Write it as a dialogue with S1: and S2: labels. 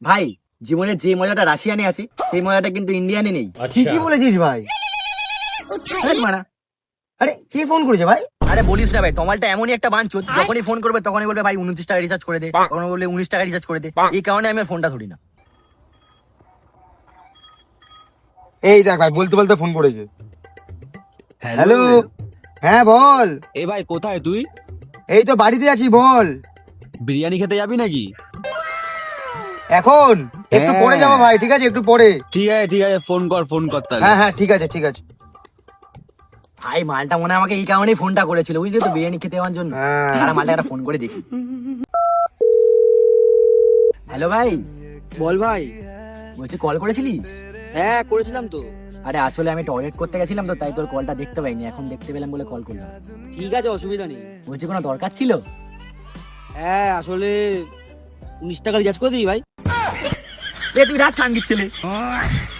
S1: ভাই জীবনে যে মজাটা রাশিয়ানে আছে সেই মজাটা কিন্তু ইন্ডিয়ানে নেই।
S2: ঠিকই বলেছিস ভাই।
S1: মানা
S2: আরে কে ফোন করেছে ভাই?
S1: আরে বলিস না ভাই, তোমালটা এমনই একটা বাঞ্চুত, যখনই ফোন করবে তখনই বলবে ভাই 29 টাকা রিচার্জ করে দে, তখন বলবে 19 টাকা রিচার্জ করে দে। এই কারণে আমি আর ফোনটা ধরি না।
S2: এই দেখ ভাই, বলতে বলতে ফোন করেছে। হ্যালো, হ্যাঁ বল।
S3: এ ভাই কোথায় তুই?
S2: এই তো বাড়িতে আছি, বল।
S3: বিরিয়ানি খেতে যাবি নাকি?
S2: এখন একটু পরে যাবো ভাই, ঠিক আছে একটু পরে।
S3: ঠিক আছে ফোন কর তাহলে।
S2: হ্যাঁ হ্যাঁ ঠিক আছে ঠিক আছে।
S1: ভাই মালটা মনে হয় আমাকে এই কারণেই ফোনটা করেছিল, বুঝলি তো, বিরিয়ানি খেতে যাওয়ার জন্য।
S2: হ্যাঁ।
S1: তারা মালটা একটা ফোন করে দেখি। হ্যালো ভাই,
S4: বল ভাই।
S1: বলছি কল করেছিলিস?
S4: হ্যাঁ করেছিলাম তো।
S1: আরে আসলে আমি টয়লেট করতে গেছিলাম তো, তাই তোর কলটা দেখতে পাইনি, এখন দেখতে পেলাম বলে কল করলাম।
S4: ঠিক আছে, অসুবিধা নেই।
S1: বলছি কোনো দরকার ছিল?
S4: হ্যাঁ আসলে 19 টাকা রিচার্জ করে দিই ভাই।
S1: তুই রাত খাঙ্গির ছেলে।